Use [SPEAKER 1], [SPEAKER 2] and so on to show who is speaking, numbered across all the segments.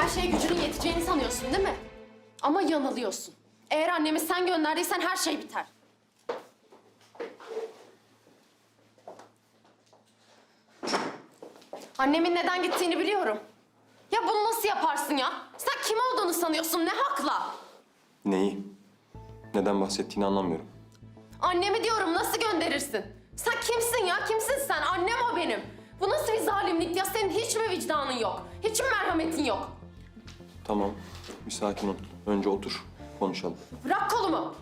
[SPEAKER 1] şeye gücünün yeteceğini sanıyorsun değil mi? Ama yanılıyorsun. Eğer annemi sen gönderdiysen her şey biter. Annemin neden gittiğini biliyorum. Ya bunu nasıl yaparsın ya? Sen kim olduğunu sanıyorsun, ne hakla?
[SPEAKER 2] Neyi? Neden bahsettiğini anlamıyorum.
[SPEAKER 1] Annemi diyorum, nasıl gönderirsin? Sen kimsin ya, kimsin sen? Annem o benim. Bu nasıl bir zalimlik ya? Senin hiç mi vicdanın yok? Hiç mi merhametin yok?
[SPEAKER 2] Tamam, bir sakin ol. Önce otur, konuşalım.
[SPEAKER 1] Bırak kolumu.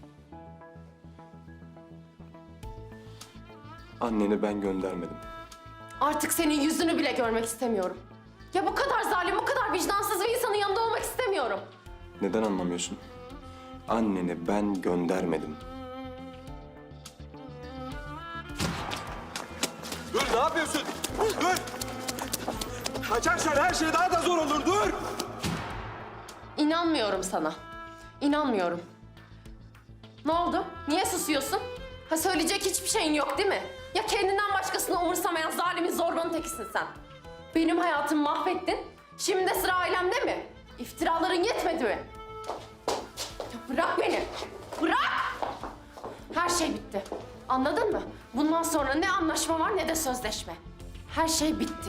[SPEAKER 2] Anneni ben göndermedim.
[SPEAKER 1] Artık senin yüzünü bile görmek istemiyorum. Ya bu kadar zalim, bu kadar vicdansız bir insanın yanında olmak istemiyorum.
[SPEAKER 2] Neden anlamıyorsun? Anneni ben göndermedim.
[SPEAKER 3] Dur, ne yapıyorsun? Dur! Kaçarsan her şey daha da zor olur, dur!
[SPEAKER 1] İnanmıyorum sana. İnanmıyorum. Ne oldu? Niye susuyorsun? Ha, söyleyecek hiçbir şeyin yok değil mi? Ya kendinden başkasını umursamayan zalimin zorbanın tekisin sen. Benim hayatımı mahvettin. Şimdi de sıra ailemde mi? İftiraların yetmedi mi? Ya bırak beni. Bırak! Her şey bitti. Anladın mı? Bundan sonra ne anlaşma var ne de sözleşme. Her şey bitti.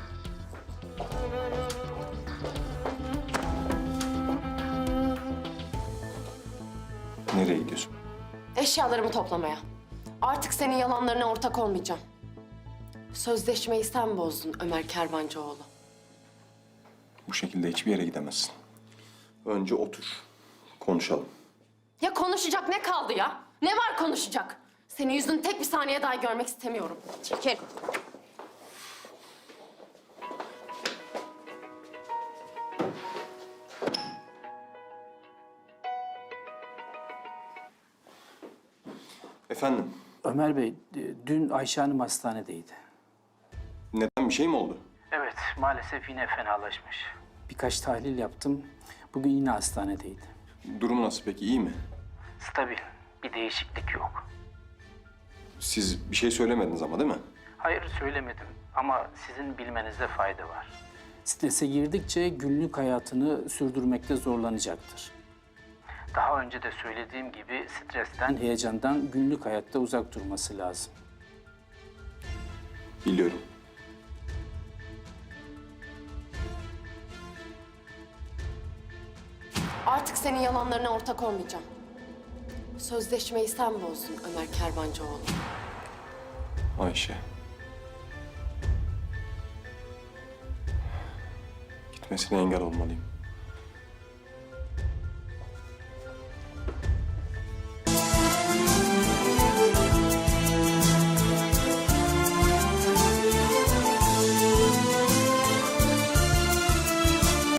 [SPEAKER 2] Nereye gidiyorsun?
[SPEAKER 1] Eşyalarımı toplamaya. Artık senin yalanlarına ortak olmayacağım. Sözleşmeyi sen bozdun Ömer Kervancıoğlu.
[SPEAKER 2] Bu şekilde hiçbir yere gidemezsin. Önce otur, konuşalım.
[SPEAKER 1] Ya konuşacak ne kaldı ya? Ne var konuşacak? Senin yüzünü tek bir saniye daha görmek istemiyorum. Çekil.
[SPEAKER 2] Efendim,
[SPEAKER 4] Ömer Bey, dün Ayşe Hanım hastanedeydi.
[SPEAKER 2] neden bir şey mi oldu?
[SPEAKER 4] Evet, maalesef yine fenalaşmış. Birkaç tahlil yaptım. Bugün yine hastanedeydi.
[SPEAKER 2] Durumu nasıl peki, iyi mi?
[SPEAKER 4] Stabil, bir değişiklik yok.
[SPEAKER 2] Siz bir şey söylemediniz ama değil mi?
[SPEAKER 4] Hayır, söylemedim ama sizin bilmenizde fayda var. Strese girdikçe günlük hayatını sürdürmekte zorlanacaktır. Daha önce de söylediğim gibi stresten, heyecandan günlük hayatta uzak durması lazım.
[SPEAKER 2] Biliyorum.
[SPEAKER 1] Artık senin yalanlarına ortak olmayacağım. Sözleşmeyi sen bozdun Ömer Kervancıoğlu.
[SPEAKER 2] Ayşe. Gitmesine engel olmalıyım.